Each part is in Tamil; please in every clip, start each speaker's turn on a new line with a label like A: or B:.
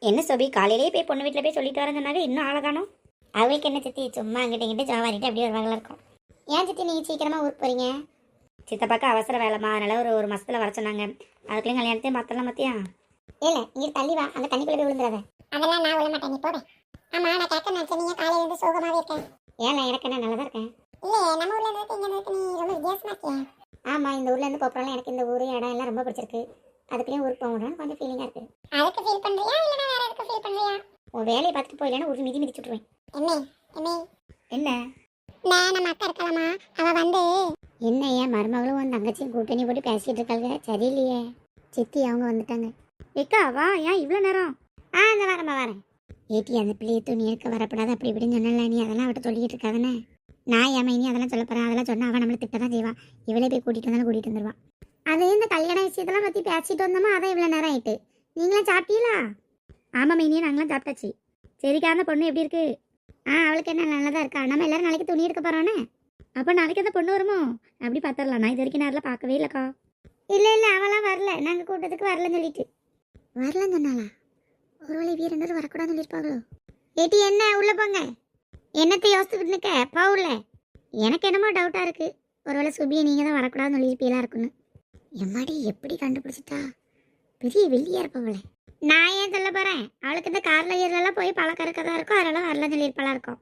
A: என்ன சோபி, காலையிலேயே போய் பொண்ணு வீட்டில் போய் சொல்லிட்டு வரேன்னு சொன்னாங்க, இன்னும் ஆளை காணோம். அவளுக்கு என்ன சித்தி, சும்மா அங்கிட்ட இங்கிட்ட ஜாவாரிட்டு அப்படியே வருவாங்களா இருக்கும். ஏன் சித்தி நீங்கள் சீக்கிரமாக ஊருக்கு போகிறீங்க? சித்தப்பாக்கு அவசர வேலைமா, அதனால ஒரு மாசத்துல வர சொன்னாங்க. அதுக்குள்ளேயும் கல்யாணத்தையும் மாற்றலாம் மத்தியா. இல்லை இங்கே தள்ளி வா, அந்த தண்ணிக்குள்ளே போய் விழுந்துடாத. அதெல்லாம் நான் விழ மாட்டேன், நீ போவேன். ஆமாம், நான் கேட்க நினச்சேன், நீங்கள் காலையில் இருந்து சோகமாகவே இருக்கேன். ஏன் எனக்கு என்ன, நல்லா தான் இருக்கேன். இல்லை நம்ம ஊரில் இருந்து இங்கே இருக்கு, நீ ரொம்ப வித்தியாசமாக இருக்கேன். ஆமாம், இந்த ஊர்லேருந்து போகிறாலும் எனக்கு இந்த ஊர் இடம் எல்லாம் ரொம்ப பிடிச்சிருக்கு. அதுக்குள்ளேயும் ஊருக்கு போகணும்னு கொஞ்சம் ஃபீலிங்காக இருக்குது. அதுக்கு ஃபீல் பண்ணுறியா இல்லைனா வேறு எதுக்கு ஃபீல் பண்ணுறியா? உன் வேலையை பார்த்துட்டு போயிடலன்னா ஒரு மிதி மிதிச்சுட்ருவேன். என்ன நான் நம்ம அக்கா இருக்கலாமா, அவள் வந்து என்ன ஏன் மருமகளும் உன் தங்கச்சியும் கூட்டணி போட்டு பேசிகிட்டு இருக்காங்க, சரியில்லையே. சித்தி அவங்க வந்துட்டாங்க. ஏக்கா வா, ஏன் இவ்வளோ நேரம்? அந்த வரேன். ஏட்டி அந்த பிள்ளையை துணி எடுக்க வரப்படாது அப்படி இப்படின்னு சொன்னல, நீ அதெல்லாம் அவட்ட சொல்லிக்கிட்டு இருக்காதானே. நான் ஏன் மைனி அதெல்லாம் சொல்ல போகிறேன், அதெல்லாம் சொன்னால் அவன் நம்மளை திட்ட தான் செய்வா. இவளே போய் கூட்டிகிட்டு வந்தாலும் கூட்டிகிட்டு வந்துடுவான். அதே இந்த கல்யாண விஷயத்தெல்லாம் பற்றி பேசிட்டு வந்தோமா, அதான் இவ்வளோ நேரம் ஆயிட்டு. நீங்களாம் சாப்பிட்டீங்களா? ஆமாம் மைனியே, நாங்களாம் சாப்பிட்டாச்சு. சரிக்கா, அந்த பொண்ணு எப்படி இருக்கு? அவளுக்கு என்ன நல்லா தான் இருக்கா. நம்ம எல்லாரும் நாளைக்கு துணி எடுக்க போகிறோன்னே. அப்போ நாளைக்கு அந்த பொண்ணு வருமோ? அப்படி பார்த்துடலாம். நான் இது வரைக்கும் நேரில் பார்க்கவே இல்லைக்கா. இல்லை அவளாம் வரல, நாங்கள் கூட்டத்துக்கு வரலன்னு சொல்லிட்டு. வரலன்னு சொன்னாலா? ஒருவேளை வீரண்டர் வரக்கூடாதுன்னு சொல்லியிருப்பாங்களோ? ஏட்டி என்ன உள்ளே போங்க. என்னத்தை யோசிச்சுக்கிட்டு நிற்க போகல. எனக்கு என்னமோ டவுட்டாக இருக்குது. ஒருவேளை சுபியை நீங்கள் தான் வரக்கூடாதுன்னு சொல்லியிருப்பீங்களா இருக்குன்னு. எம்மாடி எப்படி கண்டுபிடிச்சிட்டா? பெரிய வெள்ளியாக இருப்பவளே. நான் ஏன் சொல்ல போகிறேன், அவளுக்கு இந்த காரில் ஏறலாம் போய் பழக்கறக்க தான் இருக்கும், அதெல்லாம் வரலன்னு சொல்லியிருப்பாளா இருக்கும்.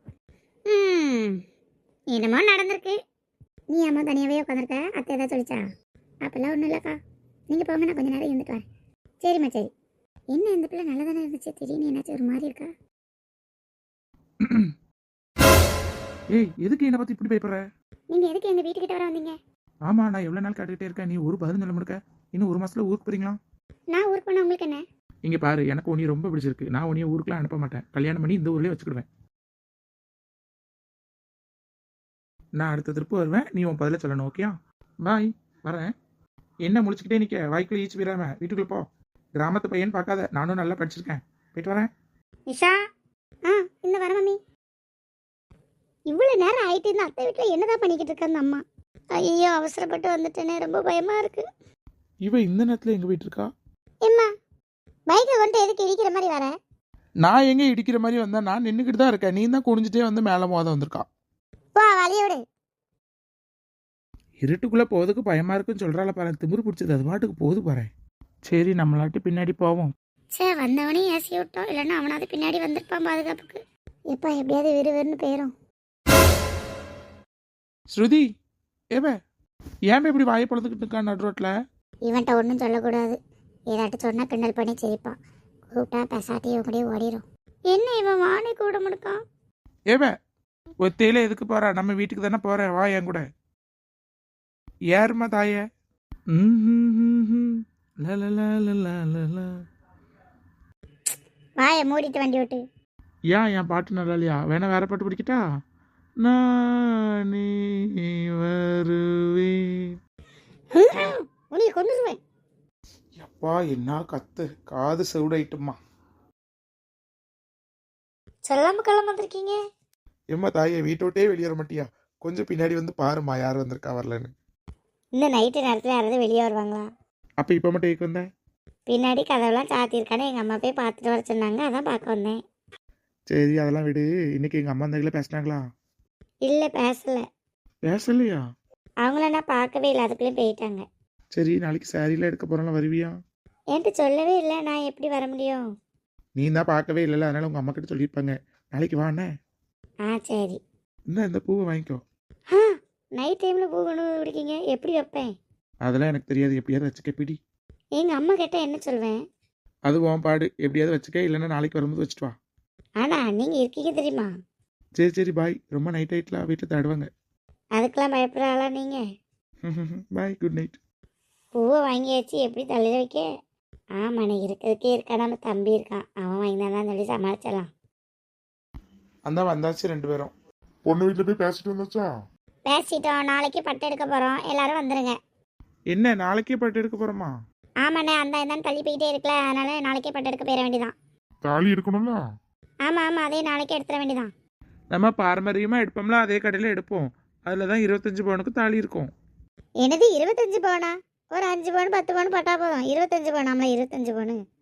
A: என்னமோ நடந்திருக்கு. நீ அம்மா தனியாகவே உட்காந்துருக்க, அத்தை ஏதாவது சொல்லிச்சா? அப்பெல்லாம் ஒன்றும் இல்லைக்கா, நீங்கள் போங்க, நான் கொஞ்சம் நேரம் இருந்துட்டு வரேன். சரிம்மா சரி. என்ன இந்த பிள்ளை நல்லா தானே இருந்துச்சு, திடீர்னு என்னாச்சும் ஒரு மாதிரி இருக்கா?
B: ஏய், எதுக்கு என்னை பற்றி இப்படி பயப்படுற?
A: நீங்கள் எதுக்கு எங்கள் வீட்டுக்கிட்ட வர வந்தீங்க?
B: ஆமாம், நான் எவ்வளோ நாள் கேட்டுக்கிட்டே இருக்கேன், நீ ஒரு பதில் சொல்ல முடுக்க. இன்னும் ஒரு மாதத்தில் ஊருக்கு போகிறீங்களா?
A: நான் ஊருக்கு போனால் உங்களுக்கு என்ன?
B: இங்கே பாரு, எனக்கு உன்னைய ரொம்ப பிடிச்சிருக்கு. நான் உன்னைய ஊருக்குலாம் அனுப்ப மாட்டேன். கல்யாணம் பண்ணி இந்த ஊர்லேயே வச்சுக்கிடுவேன். நான் அடுத்த திருப்பு வருவேன், நீ உன் பதில சொல்லணும். ஓகேயா? பாய், வரேன். என்ன முடிச்சுக்கிட்டே நிற்க, வாய்க்குள்ளே ஈச்சு போயிடாம வீட்டுக்குள்ளே போ. கிராமத்து பையன் பார்க்காத, நானும் நல்லா படிச்சிருக்கேன். போயிட்டு வரேன்.
A: நிஷா, இந்த வர மம்மி. இவ்வளோ நேரம் ஆயிட்டு இந்த அத்தை வீட்டில் என்னதான் பண்ணிக்கிட்டு இருக்க அந்த அம்மா? ஐயோ, அவசரப்பட்டு வந்துட்டேனே, ரொம்ப பயமாக இருக்கு.
B: இவ இந்த நேரத்தில் எங்கே போயிட்டு இருக்கா?
A: எம்மா, பைக்கை கொண்டு எதுக்கு இடிக்கிற மாதிரி வர?
B: நான் எங்கே இடிக்கிற மாதிரி வந்தேன்? நான் நின்றுக்கிட்டு தான் இருக்கேன். நீ தான் குனிஞ்சிட்டே வந்து மேலே மோத வந்திருக்கா.
A: போ வழியோடு.
B: இருட்டுக்குள்ளே போகிறதுக்கு பயமாக இருக்குன்னு சொல்கிறால பாரு, திமிரு பிடிச்சது. அது பாட்டுக்கு போகுது பாரு. சரி, நம்மளாட்டி பின்னாடி போவோம்.
A: சே, வந்தவனே ஏசி விட்டோம், இல்லைன்னா அவனாவது பின்னாடி வந்திருப்பான் பாதுகாப்புக்கு. எப்போ எப்படியாவது வெறுன்னு போயிடும்.
B: ஸ்ருதி, ஏவே ஏன் இப்படி வாயை பழந்துக்கிட்டு இருக்கான் நடு ரோட்டில்?
A: இவன்ட்ட ஒன்றும் சொல்லக்கூடாது, ஏதாட்டு சொன்னால் கிண்டல் பண்ணி சிரிப்பான். கூப்பிட்டா பெசாட்டி இவன் கூடயே ஓடிடும். என்ன இவன் வாணி கூட முடுக்கான்?
B: ஏவே, ஒத்தையில எதுக்கு போற? நம்ம வீட்டுக்கு தானே போற, வா என் கூட. யாருமா தாய?
A: வாயை மூடிட்டு வண்டி விட்டு.
B: ஏன் என் பாட்டு நல்லா இல்லையா? வேணா வேற பாட்டு பிடிக்கிட்டா? நானே வருவேன்.
A: உன்னை கொண்டுருவேன்.
B: அப்பா என்ன கத்து, காது செவிடாயிட்டுமா.
A: சொல்லாம கிளம்ப வந்திருக்கீங்க.
B: எம்மா தாயே, வீட்டை விட்டே வெளியேற மாட்டியா? கொஞ்சம் பின்னாடி வந்து பாருமா, யார் வந்திருக்கா வரலன்னு.
A: இந்த நைட்டு நேரத்தில் யாராவது வெளியே வருவாங்களா?
B: அப்போ இப்போ மட்டும் ஏக்கு வந்தேன்.
A: பின்னாடி கதவுலாம் சாத்தியிருக்கானே, எங்கள் அம்மா போய் பார்த்துட்டு வர சொன்னாங்க, அதான் பார்க்க வந்தேன்.
B: சரி, அதெல்லாம் விடு. இன்னைக்கு எங்கள் அம்மா அந்த பேசினாங்களா?
A: இல்லை பேசல.
B: பேசலையா?
A: அவங்கள நான் பார்க்கவே இல்லை, அதுக்குள்ளேயும் போயிட்டாங்க.
B: சரி, நாளைக்கு சாரிலாம் எடுக்க போகிறோம்ல, வருவியா?
A: என்கிட்ட சொல்லவே இல்லை, நான் எப்படி வர முடியும்?
B: நீ தான் பார்க்கவே இல்லைல்ல, அதனால உங்கள் அம்மா கிட்ட சொல்லியிருப்பாங்க. நாளைக்கு வாண்ணே.
A: சரி.
B: இந்த பூவை வாங்கிக்கோ.
A: நைட் டைமில் பூ கொண்டு பிடிக்கிங்க, எப்படி வைப்பேன்?
B: அதெல்லாம் எனக்கு தெரியாது, எப்படியாவது வச்சுக்க பிடி.
A: எங்கள் அம்மா கேட்டால் என்ன சொல்வேன்?
B: அது உன் பாடு, எப்படியாவது வச்சுக்க, இல்லைன்னா நாளைக்கு வரும்போது வச்சுட்டு வா.
A: ஆனால் நீங்கள் இருக்கீங்க தெரியுமா?
B: சரி பாய். ரொம்ப நைட் ஆகிட்டலாம், வீட்டில் தேடுவாங்க.
A: அதுக்கெல்லாம் பயப்படுறாளா நீங்கள்?
B: Bye, good night.
A: பூவை வாங்கியாச்சு, எப்படி தள்ளி வைக்க? ஆமாண்ணே, இருக்கிறதுக்கே இருக்கா, நம்ம தம்பி இருக்கான், அவன் வாங்கினாதான் சொல்லி சமாளிச்சிடலாம்.
B: அந்த வந்தாச்சு 2 பேரும். பொண்ணு வீட்டில் போய் பேசிட்டு வந்தாச்சா?
A: பேசிட்டோம், நாளைக்கு பட்டு எடுக்க போகிறோம், எல்லாரும் வந்துடுங்க.
B: என்ன நாளைக்கே பட்டு எடுக்க போகிறோமா?
A: ஆமாண்ணே, அந்த இதான் தள்ளி போயிட்டே இருக்கல, அதனால நாளைக்கே பட்டு எடுக்க போயிட வேண்டியதான்.
B: தாலி எடுக்கணும்ல?
A: ஆமாம், அதே நாளைக்கே எடுத்துட வேண்டியதான்.
B: நம்ம பாரம்பரியமாக எடுப்போம்ல, அதே கடையில் எடுப்போம். அதில் தான் 25 பவுனுக்கு தாலி இருக்கும்.
A: எனது 25 பவுனா? ஒரு 5 பவுன் 10 பவுன் பட்டா போதும். 25 பவுன், 25 பவுன்.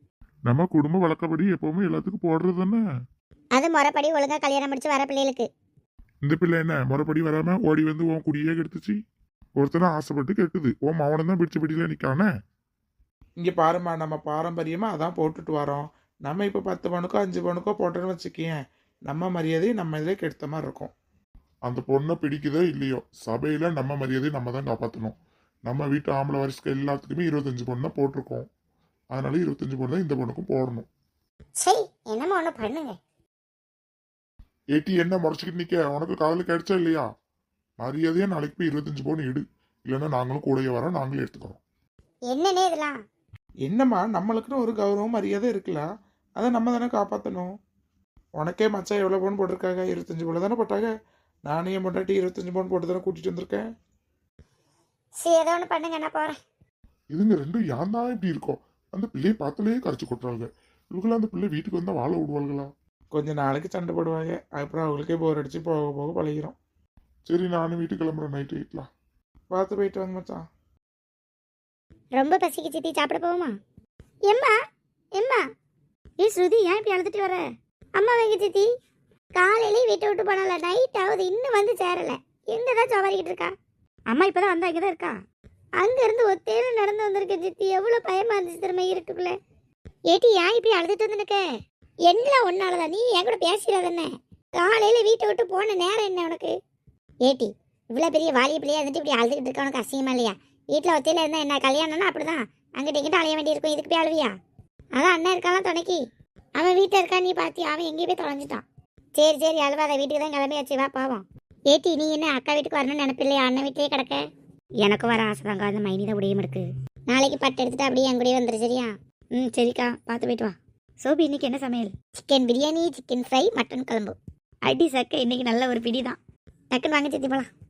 C: நம்ம குடும்ப வழக்கப்படி எப்பவுமே எல்லாத்துக்கும் போடுறது தானே.
A: அது முறைப்படி ஒழுங்கா கல்யாணம் முடிச்சு வர பிள்ளைகளுக்கு.
C: இந்த பிள்ளை என்ன முறைப்படி வராம ஓடி வந்து உன் குடியே கெடுத்துச்சு. ஒருத்தனை ஆசைப்பட்டு கெட்டுது, உன் மாவனை தான் பிடிச்ச பிடியில நிக்கானே.
B: இங்கே பாரும்மா, நம்ம பாரம்பரியமாக அதான் போட்டுட்டு வரோம். நம்ம இப்போ 10 பவுனுக்கோ 5 பவுனுக்கோ போட்டோன்னு வச்சுக்கேன், நம்ம மரியாதையை நம்ம இதில் கெடுத்த மாதிரி இருக்கும்.
C: அந்த பொண்ணை பிடிக்குதோ இல்லையோ, சபையில நம்ம மரியாதையை நம்ம தான் காப்பாற்றணும். நம்ம வீட்டு ஆம்பளை வரிசைக்கு எல்லாத்துக்குமே 25 பொண்ணு தான் போட்டிருக்கோம். அதனால 25 பொண்ணு தான் இந்த பொண்ணுக்கும் போடணும்.
A: சரி, என்னமோ ஒன்று பண்ணுங்க.
C: ஏட்டி என்ன முறைச்சிக்கிட்டு நிக்க? உனக்கு காதல் கிடைச்சா இல்லையா? மரியாதையா நாளைக்கு போய் 25 பவுன் எடு. இல்லைன்னா நாங்களும் கூடயே வரோம், நாங்களே எடுத்துக்கிறோம்.
A: என்னன்னே இதெல்லாம்?
B: என்னம்மா, நம்மளுக்குன்னு ஒரு கௌரவம் மரியாதை இருக்குல்ல, அதை நம்ம தானே காப்பாற்றணும். உனக்கே மச்சான் எவ்வளோ பவுன் போட்டிருக்காங்க? 25 பவுன் தானே போட்டாங்க. நானே என் பொண்டாட்டி 25 பவுன் போட்டு தானே கூட்டிகிட்டு வந்திருக்கேன்.
A: சரி, ஏதோ ஒன்று பண்ணுங்க, நான் போகிறேன்.
C: இதுங்க ரெண்டும் ஏன் தான் இப்படி இருக்கோம்? அந்த பிள்ளையை பார்த்தாலே கரைச்சி கொட்டுறாங்க. இவங்களாம் அந்த பிள்ளை வீட்டுக்கு வந்தால் வாழ விடுவாள்களா?
B: கொஞ்ச நாளைக்கு சண்டை போடுவாங்க, அப்புறம் அவங்களுக்கே போர் அடிச்சு போக போக பழகிரும்.
C: சரி, நானும் வீட்டுக்கு கிளம்புறேன். நைட்டு வீட்டில்
B: பார்த்து போயிட்டு வாங்க மச்சான்.
A: ரொம்ப பசிக்கு சித்தி, சாப்பிட போவோமா? எம்மா எம்மா, ஏ ஸ்ருதி, ஏன் இப்படி அழுதுட்டு வர? அம்மா வைங்க சித்தி. காலையிலே வீட்டை விட்டு போனால, நைட் ஆகுது, இன்னும் வந்து சேரல. எங்கதான் சவாரிக்கிட்டு இருக்கா? அம்மா இப்பதான் வந்தா, இங்கதான் இருக்கா. அங்க இருந்து ஒத்தேல நடந்து வந்திருக்கேன் சித்தி. எவ்வளவு பயமா இருந்துச்சு திரும்ப இருட்டுக்குள்ள. ஏட்டி, ஏன் இப்படி அழுதுட்டு வந்து நிக்க? எல்லாம் ஒன்னாலதான். நீ என் கூட பேசிடாதானே? காலையில வீட்டை விட்டு போன நேரம் என்ன உனக்கு? ஏட்டி, இவ்வளவு பெரிய வாலிய பிள்ளையா இருந்துட்டு இப்படி அழுதுகிட்டு இருக்க உனக்கு அசிங்கமா இல்லையா? வீட்டில் ஒத்தையில இருந்தா என்ன, கல்யாணம்னா அப்படிதான், அங்கிட்ட இங்கிட்ட அலைய வேண்டியிருக்கும். இதுக்கு போய் அழுவியா? அதான் அண்ணன் இருக்காலாம் துணைக்கி. அவன் வீட்டில் இருக்கா, நீ பார்த்தியா? அவன் எங்கேயும் போய் தொலைஞ்சிட்டான். சரி சரி, அழுவாத, வீட்டுக்கு தான் கிளம்பியாச்சு, வா பாவம். ஏட்டி, நீ என்ன அக்கா வீட்டுக்கு வரணும்னு நினைப்பில்லையா? அண்ணன் வீட்டிலே கிடக்க. எனக்கும் வர ஆசை தாங்க, அந்த மைனி தான் உடையும் இருக்கு. நாளைக்கு பட்டு எடுத்துட்டு அப்படியே என் கூடயே வந்துரு, சரியா? சரிக்கா, பார்த்து போயிட்டு வா. சோபி, இன்னைக்கு என்ன சமையல்? Chicken biryani, chicken fry, mutton குழம்பு. அடி சக்க, இன்னைக்கு நல்ல ஒரு பிடி தான். டக்குன்னு வாங்க சித்தி போலாம்.